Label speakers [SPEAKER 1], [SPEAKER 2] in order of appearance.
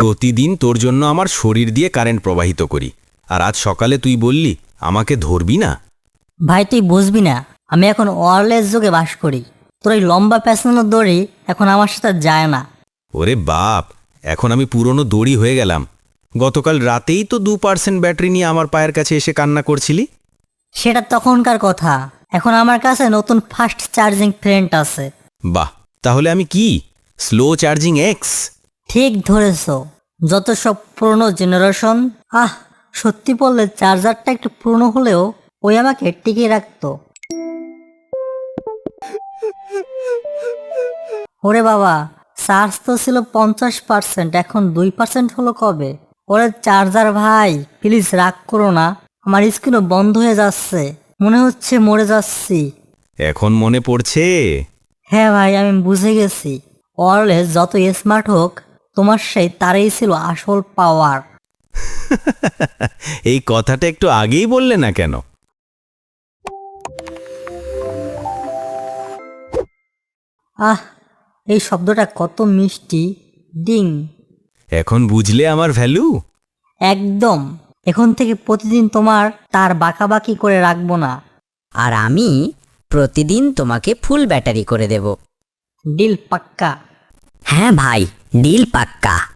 [SPEAKER 1] প্রতিদিন তোর জন্য আমার শরীর দিয়ে কারেন্ট প্রবাহিত করি, আর আজ সকালে তুই বললি আমাকে ধরবি না।
[SPEAKER 2] ভাই তুই বুঝবি না, আমি এখন ওয়ারলেস যুগে বাস করি। তোর এই লম্বা পেছানোর দড়ি এখন আমার সাথে যায় না।
[SPEAKER 1] ওরে বাপ, এখন আমি পুরনো দড়ি হয়ে গেলাম। গতকাল রাতেই তো 2% ব্যাটারি নিয়ে আমার পায়ের কাছে এসে কান্না করছিলি।
[SPEAKER 2] সেটা তখনকার কথা, এখন আমার কাছে নতুন ফাস্ট চার্জিং ফ্রেন্ড আছে।
[SPEAKER 1] বাহ, তাহলে আমি কি স্লো চার্জিং এক্স?
[SPEAKER 2] ঠিক ধরেছ, যত সব পুরনো জেনারেশন। সত্যি বললে চার্জারটা একটু পুরনো হলেও ওই আমাকে টিকিয়ে রাখতো। ওরে বাবা, চার্জ তো ছিল 50%, এখন 2% হলো কবে? ওরে চার্জার ভাই, প্লিজ রাগ করো না, আমার স্ক্রিনও বন্ধ হয়ে যাচ্ছে, মনে হচ্ছে মরে যাচ্ছি।
[SPEAKER 1] এখন মনে পড়ছে?
[SPEAKER 2] হ্যাঁ ভাই, আমি বুঝে গেছি, ওয়্যারলেস যত স্মার্ট হোক, তোমার সেই তারই ছিল আসল পাওয়ার।
[SPEAKER 1] এই কথাটা একটু আগেই বললে না কেন?
[SPEAKER 2] এই শব্দটা কত মিষ্টি, ডিং।
[SPEAKER 1] এখন বুঝলে আমার ভ্যালু?
[SPEAKER 2] একদম, এখন থেকে প্রতিদিন তোমার তার বাঁকাবাকি করে রাখবো না।
[SPEAKER 3] আর আমি প্রতিদিন তোমাকে ফুল ব্যাটারি করে দেব।
[SPEAKER 2] ডিল পাক্কা।
[SPEAKER 3] হ্যাঁ ভাই, ডিল পাক্কা।